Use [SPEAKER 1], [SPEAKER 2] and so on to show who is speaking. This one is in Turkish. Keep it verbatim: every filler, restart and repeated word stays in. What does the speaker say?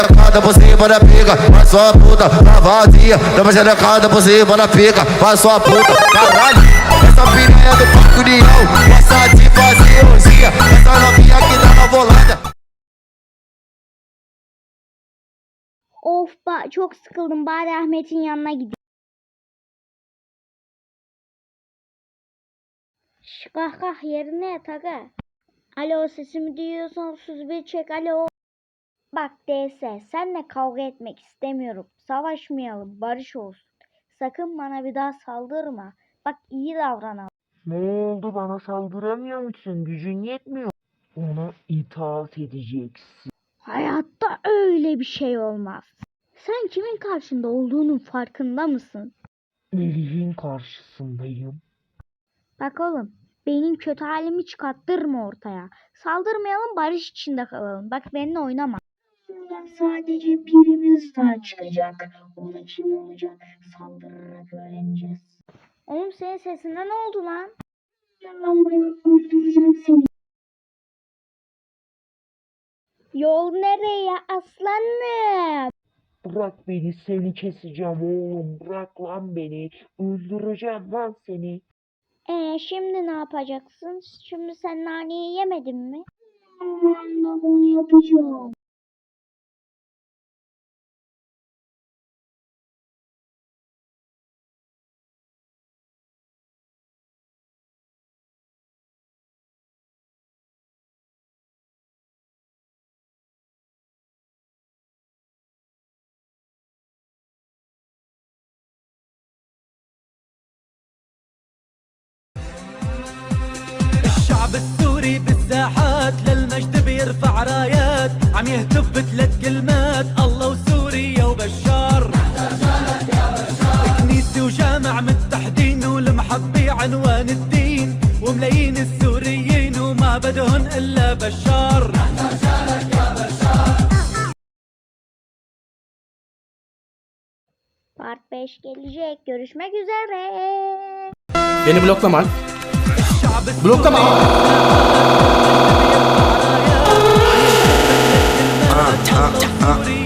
[SPEAKER 1] Cada por cima da pica, vai sua puta, tá vazia. Dá xerecada por cima da pica, vai sua puta, caralho. Essa piranha do Parque União, essa de fazer orgia. Essa novinha que dá na volada.
[SPEAKER 2] Of ba çok sıkıldım, bari Ahmet'in yanına gideyim. Şş, kah kah yerine yat aga. Alo, sesimi duyuyorsan otuz bir çek, alo. Bak D S, senle kavga etmek istemiyorum. Savaşmayalım, barış olsun. Sakın bana bir daha saldırma. Bak iyi davranalım.
[SPEAKER 3] Ne oldu, bana saldıramıyor musun? Gücün yetmiyor. Ona itaat edeceksin.
[SPEAKER 2] Hayatta öyle bir şey olmaz. Sen kimin karşında olduğunun farkında mısın?
[SPEAKER 3] Melih'in karşısındayım.
[SPEAKER 2] Bak oğlum, benim kötü halimi çıkarttırma ortaya. Saldırmayalım, barış içinde kalalım. Bak benimle oynama.
[SPEAKER 4] Sadece birimiz daha çıkacak. O da kim olacak? Saldırarak öğreneceğiz.
[SPEAKER 2] Oğlum senin sesinden ne oldu lan?
[SPEAKER 4] Ben buraya öldüreceğim seni.
[SPEAKER 2] Yol nereye aslanım?
[SPEAKER 3] Bırak beni, seni keseceğim oğlum. Bırak lan beni. Öldüreceğim lan seni.
[SPEAKER 2] Ee şimdi ne yapacaksın? Şimdi sen naneyi yemedin mi?
[SPEAKER 4] Ben de bunu yapacağım.
[SPEAKER 5] الشعب السوري بالساحات للمجد بيرفع رايات عم يهتف بثلاث كلمات الله وسوريا وبشار. كنيسة وجامع متحدين والمحبة عنوان الدين وملايين السوريين وما بدهن إلا بشار.
[SPEAKER 2] Part beş gelecek. Görüşmek üzere.
[SPEAKER 6] Beni bloklama. Bloklama.
[SPEAKER 5] Allah وسوريا